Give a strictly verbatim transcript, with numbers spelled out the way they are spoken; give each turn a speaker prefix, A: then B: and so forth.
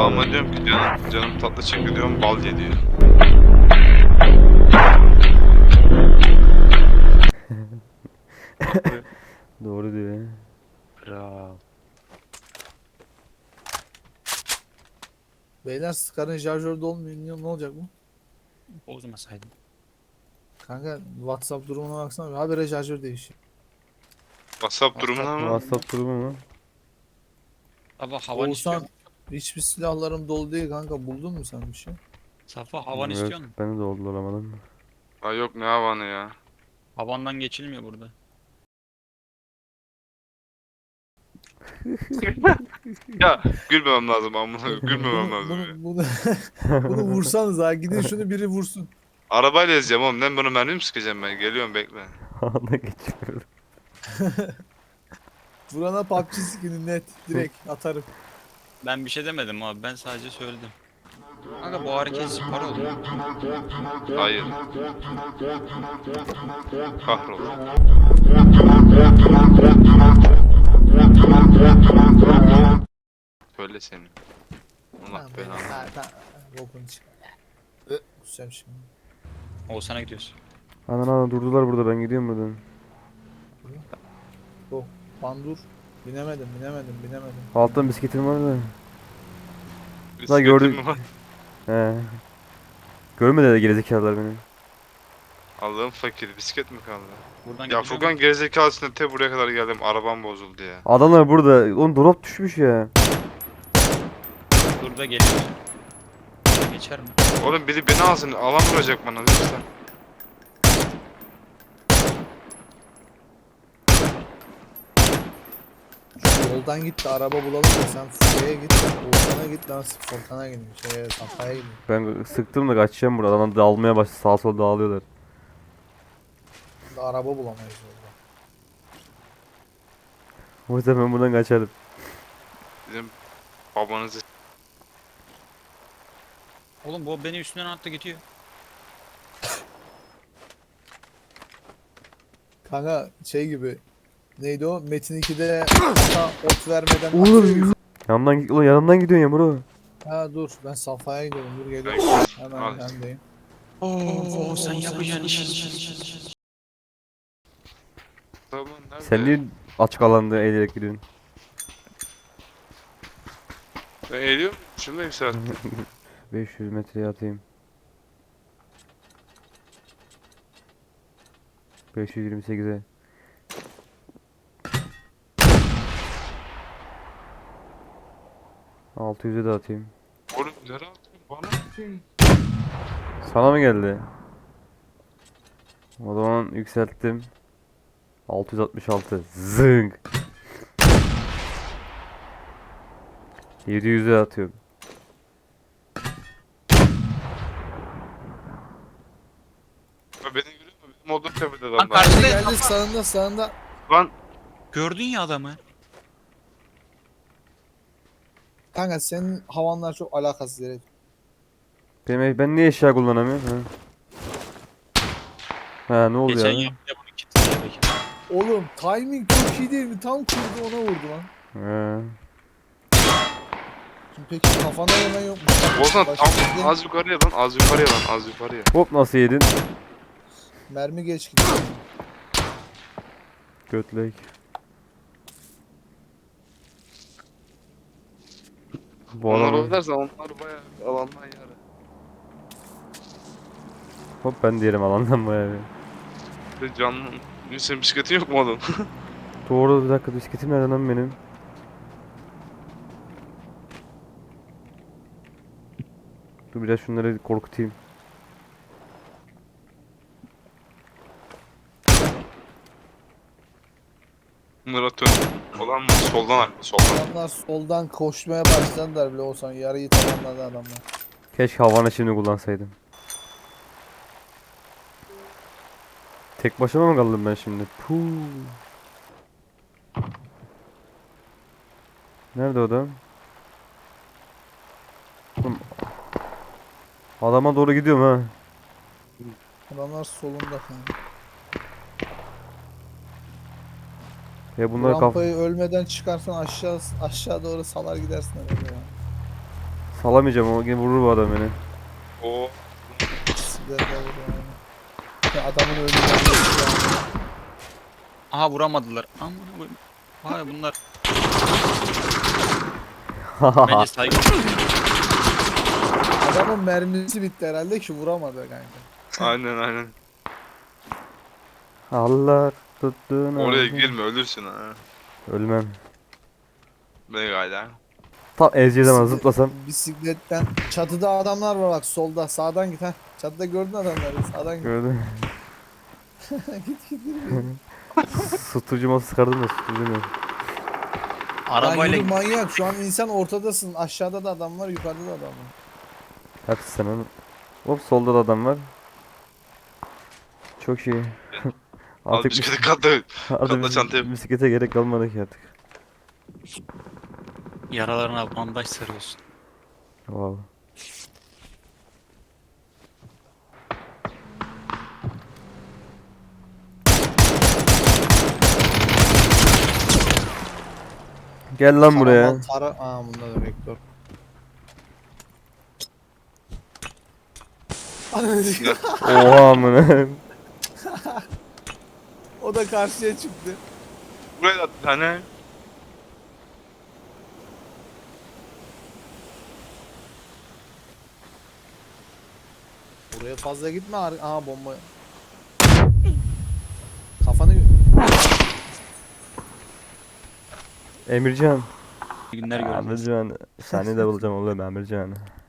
A: Babama diyorum ki canım, canım tatlı çekiyor diyorum, bal ye diyor.
B: Doğru diyor ya.
A: Bravo.
C: Beyler Scar'ın şarjörü dolmuyor. Ne olacak bu?
D: Bozmasaydım.
C: Kanka WhatsApp durumuna baksana. Habire şarjör değişiyor.
A: WhatsApp durumuna mı?
B: WhatsApp durumu mu?
D: Safa havan istiyor
C: Oğuzhan
D: musun?
C: hiçbir silahlarım dolu değil kanka. Buldun mu sen bir şey?
D: Safa havan
B: Yok,
D: istiyor musun?
B: ben de dolduramadım.
A: Ay yok, ne havanı ya.
D: Havandan geçilmiyor burada.
A: Ya gülmemem lazım amına, gülmemem
C: Bunu,
A: lazım ya.
C: bunu, bunu, bunu vursanız ha. Gidin şunu biri vursun.
A: Arabayla ezeceğim oğlum, ben bunu mermi mi sıkacağım ben? Geliyorum, bekle.
B: Havada geçiyorum.
C: Vurana P U B G skin'i net. Direkt atarım.
D: Ben bir şey demedim abi. Ben sadece söyledim. Kanka bu hareket spor oldu.
A: Hayır. Kahrol. Söyle senin. Allah
C: Ha, ben-
A: belanı.
C: ha, ha, Bokunu çıkar. Ö, Kusacağım şimdi.
D: Oğuzhan'a gidiyoruz.
B: Anan anan durdular burada, ben gidiyorum buradan.
C: Go. Pandur. Binemedim, binemedim, binemedim.
B: Alttan bisikletim var da.
A: Bisikletin
B: gördüm.
A: mi var?
B: He. Görmedi de gerizekalılar beni.
A: Allah'ım fakir, bisiklet mi kaldı?
D: Buradan
A: Ya
D: gidiyor
A: Furkan
D: muyum?
A: gerizekalısına te buraya kadar geldim, arabam bozuldu ya.
B: Adamlar burada. Oğlum drop düşmüş ya.
D: Dur da geliyor. Geçer mi?
A: Oğlum biri beni alsın, alan vuracak bana lütfen.
C: Şu yoldan git de araba bulalım da sen Furkan'a git. Oğuzhan'a git lan Furkan'a gidin. Şeye Safa'ya gidin.
B: Ben sıktım da kaçacağım buradan. Adam dağılmaya başladı. Sağa sola dağılıyorlar.
C: Da araba bulamayız orada.
B: O yüzden ben buradan kaçarım.
A: Bizim babanızı
D: Oğlum bu beni üstünden attı gidiyor.
C: Kanka şey gibi. Neydi o? Metin ikide ata ot vermeden
B: Oğlum.
C: atıyor.
B: Yanımdan, ulan yanımdan gidiyorsun ya bro.
C: Ha dur ben Safa'ya gidiyorum. Dur geliyorum. Hemen
A: Al.
C: bendeyim.
D: Oo sen yapacaksın işi.
A: Tamam, nerede?
B: Sen niye açık alanda eğilerek gidiyorsun?
A: Ben eğiliyorum. Şunu yükselt.
B: beş yüz metreye atayım. beş yüz yirmi sekize. altı yüze de atayım.
A: Oğlum nereye atıyorsun? Bana atıyorsun.
B: Sana mı geldi? O zaman yükselttim. altı yüz altmış altı. Zınk. yedi yüze atıyorum.
A: Ya beni görüyor musun? Benim olduğum tepede
D: Lan
A: adamlar.
D: karşıda
C: Geldi sağında sağında.
A: Lan
D: gördün ya adamı.
C: Kanka senin havanlar çok alakasız yere.
B: Benim, ben niye eşya kullanamıyorum? Ha, ha ne oldu
D: Geçen
B: ya?
D: yaptı bunu kilitledi belki.
C: Oğlum timing çok iyi değil mi? Tam kurdu ona vurdu lan.
B: Ha.
C: Şimdi peki kafana yemen yok mu?
A: Ozan
C: Başka
A: tam
C: bir-
A: az yukarıya lan, az yukarıya lan, az yukarıya.
B: Hop nasıl yedin?
C: Mermi geç gidiyor.
B: Götlek. Bu
A: Onlar
B: araba.
A: oynarsa onlar bayağı alandan yarı.
B: Hop ben diyelim alandan bayağı bir.
A: Bir de canlı. Senin bisikletin yok mu oğlum?
B: Doğru, bir dakika, bisikletim nereden lan benim? Dur biraz şunları korkutayım.
A: Bunları atıyorum. Olan mı? Soldan aklı, soldan.
C: Adamlar soldan koşmaya başladılar bile olsan yarıyı tamamladı adamlar.
B: Keşke havanı şimdi kullansaydım. Tek başıma mı kaldım ben şimdi? Puh. Nerede o adam? Oğlum, adama doğru gidiyorum ha.
C: Adamlar solunda kanka.
B: Ya
C: Bu
B: bunlar kaf
C: rampayı ölmeden çıkarsan aşağı aşağı doğru salar gidersin herhalde ya.
B: Salamayacağım o yine vurur bu adam beni.
A: O
C: Bisikletle vuruyor yani. Ya adamın önünden geçti yani.
D: Aha vuramadılar. Aman koyayım. Vay bunlar. Bence saygı.
C: Adamın mermisi bitti herhalde ki vuramadı kanka.
A: aynen aynen.
B: Allah tuttuğunu.
A: Oraya
B: aldı.
A: girme ölürsün ha.
B: Ölmem.
A: Ne gayda.
B: Tam ezeceği zaman
C: Bisiklet-
B: zıplasam.
C: Bisikletten. Çatıda adamlar var bak solda. Sağdan git ha. Çatıda gördün adamları. Sağdan git.
B: Gördün.
C: git git git.
B: Susturucu sıkardım da susturucu.
D: Arabayla
C: Lan yürü manyak. Şu an insan ortadasın. Aşağıda da adam var. Yukarıda da adam var.
B: Hepsi sen onu. Hop solda da adam var. Çok iyi.
A: Al
B: Artık
A: bisikleti katla.
B: artık
A: katla
B: bis-
A: çantaya.
B: bisiklete gerek kalmadı ki artık.
D: yaralarına bandaj sarıyorsun.
B: Wow. Gel lan buraya.
C: Karaman Tara... Aa bunda da vektör. Ananı sikeyim.
B: Oha amına.
C: O da karşıya çıktı.
A: Buraya da bir tane.
C: Buraya fazla gitme. ar- Aha bomba. Kafanı...
B: Emircan.
D: İyi günler görürüz.
B: Emircan. Seni de bulacağım oğlum Emircan.